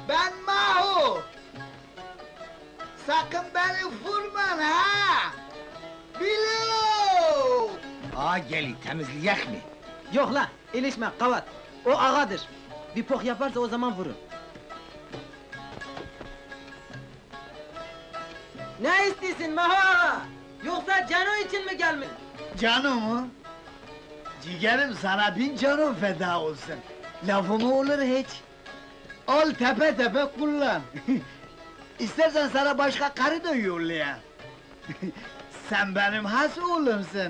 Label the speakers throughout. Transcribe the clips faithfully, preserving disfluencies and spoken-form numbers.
Speaker 1: Ben Mahu! Sakın beni vurman ha! Bilo!
Speaker 2: Ağa geli, temizleyecek mi?
Speaker 3: Yok la, ilişme, kavat. O ağadır. Bir pok yaparsa o zaman vurun. Ne istiyorsun Maha? Yoksa Cano için mi gelmiş?
Speaker 1: Canım mı? Ciğerim sana bin canım feda olsun. Lafımı olur hiç. Al tepe tepe kullan. İstersen sana başka karı da yollayayım. Sen benim has oğlumsun.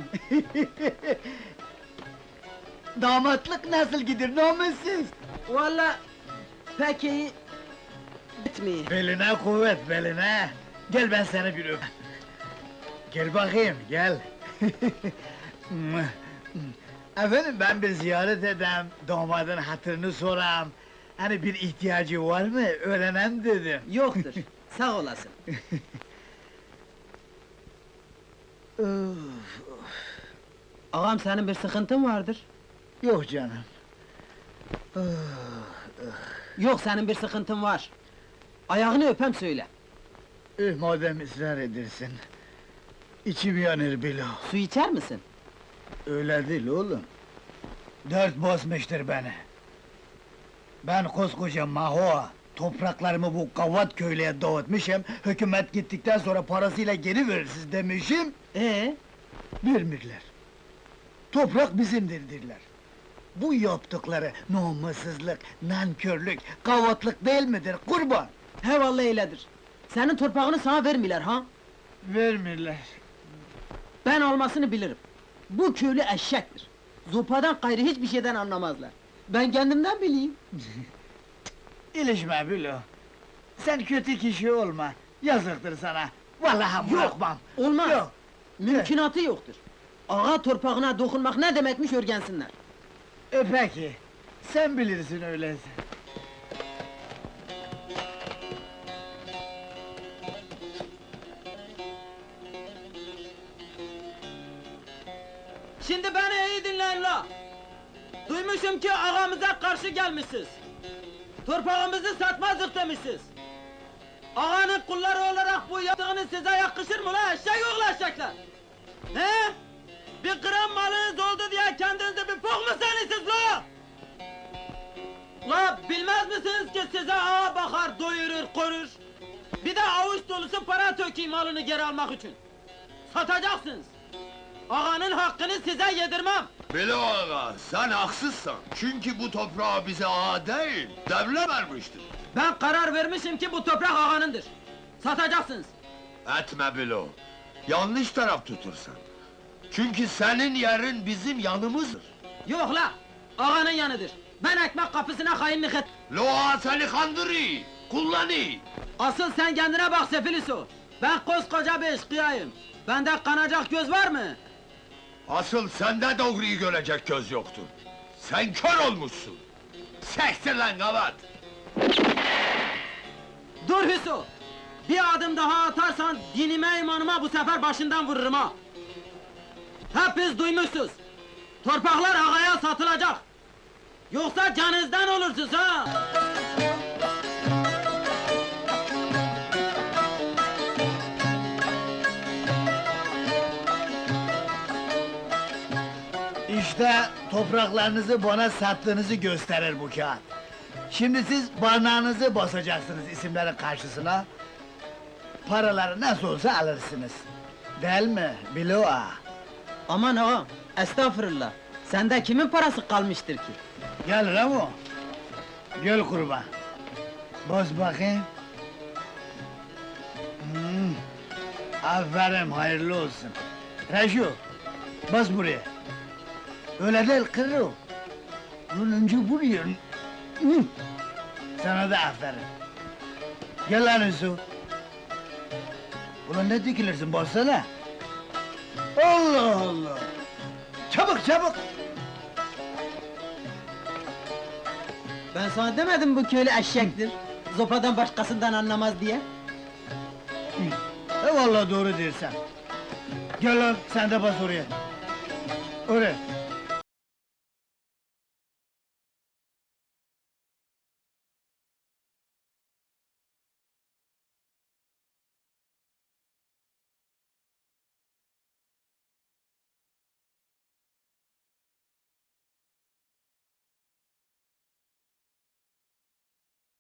Speaker 1: Damatlık nasıl gider namussuz?
Speaker 3: Valla pek iyi etmiyor.
Speaker 1: Beline kuvvet, beline! Gel ben seni bir öp! Gel bakayım, gel! Efendim, ben bir ziyaret edem, damadın hatırını soram. Hani bir ihtiyacı var mı, öğrenem dedim.
Speaker 3: Yoktur, sağ olasın. Ağam senin bir sıkıntın vardır.
Speaker 1: Yok canım.
Speaker 3: Yok senin bir sıkıntın var. Ayağını öpem söyle.
Speaker 1: Eh, madem ısrar edersin. İçim yanır bilo.
Speaker 3: Su içer misin?
Speaker 1: Öyle değil oğlum. Dert basmıştır beni. Ben koskoca Mahoa, topraklarımı bu Gavat köylüye dağıtmışım, hükümet gittikten sonra parasıyla geri verirsiniz demişim,
Speaker 3: Ee?
Speaker 1: vermirler. Toprak bizimdir derler. Bu yaptıkları namussuzluk, nankörlük, gavatlık değil midir kurban?
Speaker 3: He vallahi öyledir. Senin torpağını sana vermiler ha?
Speaker 1: Vermirler.
Speaker 3: Ben olmasını bilirim. Bu köylü eşektir. Zopadan gayrı hiçbir şeyden anlamazlar. Ben kendimden bileyim.
Speaker 1: İlişme bilo. Sen kötü kişi olma, yazıktır sana. Vallahi bırakmam.
Speaker 3: Olmaz.
Speaker 1: Yok.
Speaker 3: Mümkünatı yoktur. Ağa torpağına dokunmak ne demekmiş öğrensinler.
Speaker 1: E peki, sen bilirsin öyleyse.
Speaker 3: Şimdi beni iyi dinleyin la! Duymuşum ki ağamıza karşı gelmişsiniz. Torpağımızı satmazdık demişsiniz. Ağanın kulları olarak bu yaptığınız size yakışır mı la eşek oğlu eşekler? He? Bir gram malınız oldu diye kendinize bir pok mu sanıyorsunuz la? La bilmez misiniz ki size ağa bakar, doyurur, korur? Bir de avuç dolusu para tökeyim malını geri almak için. Satacaksınız. Ağanın hakkını size yedirmem!
Speaker 4: Bilo ağa, sen haksızsın. Çünkü bu toprağı bize ağa değil, devlet vermiştir.
Speaker 3: Ben karar vermişim ki bu toprak ağanındır. Satacaksınız.
Speaker 4: Etme Bilo. Yanlış taraf tutursan. Çünkü senin yerin bizim yanımızdır.
Speaker 3: Yok la! Ağanın yanıdır. Ben ekmek kapısına kayınlık et...
Speaker 4: Lo ağa seni kandırıyor, kullanıyor.
Speaker 3: Asıl sen kendine bak Sefiliso! Ben koskoca bir eşkıyayım. Bende kanacak göz var mı?
Speaker 4: Asıl sende doğruyu görecek göz yoktur. Sen kör olmuşsun. Sektir lan gavat!
Speaker 3: Dur Hüso! Bir adım daha atarsan dinime imanıma bu sefer başından vururum ha! Hepiniz duymuşsunuz! Torpaklar ağaya satılacak! Yoksa canınızdan olursunuz ha!
Speaker 1: İşte topraklarınızı bana sattığınızı gösterir bu kağıt. Şimdi siz barnağınızı basacaksınız isimlerin karşısına. Paraları nasıl olsa alırsınız. Değil mi Bilo ağa?
Speaker 3: Aman ağam, estağfurullah! Sende kimin parası kalmıştır ki?
Speaker 1: Gel Ramo. Gel kurban. Bas bakayım. Hmm. Aferin, hayırlı olsun. Reşo, bas buraya. Öyle değil kırı. Bunun önce buraya. Hmm. Sana da aferin. Gel lan Hüsnü. Ulan ne dikilirsin, bassana. Allah Allah! Çabuk çabuk!
Speaker 3: Ben sana demedim bu köylü eşektir. Zopadan başkasından anlamaz diye.
Speaker 1: E vallahi doğru dersen. Gel lan, sen de bas oraya. Oraya.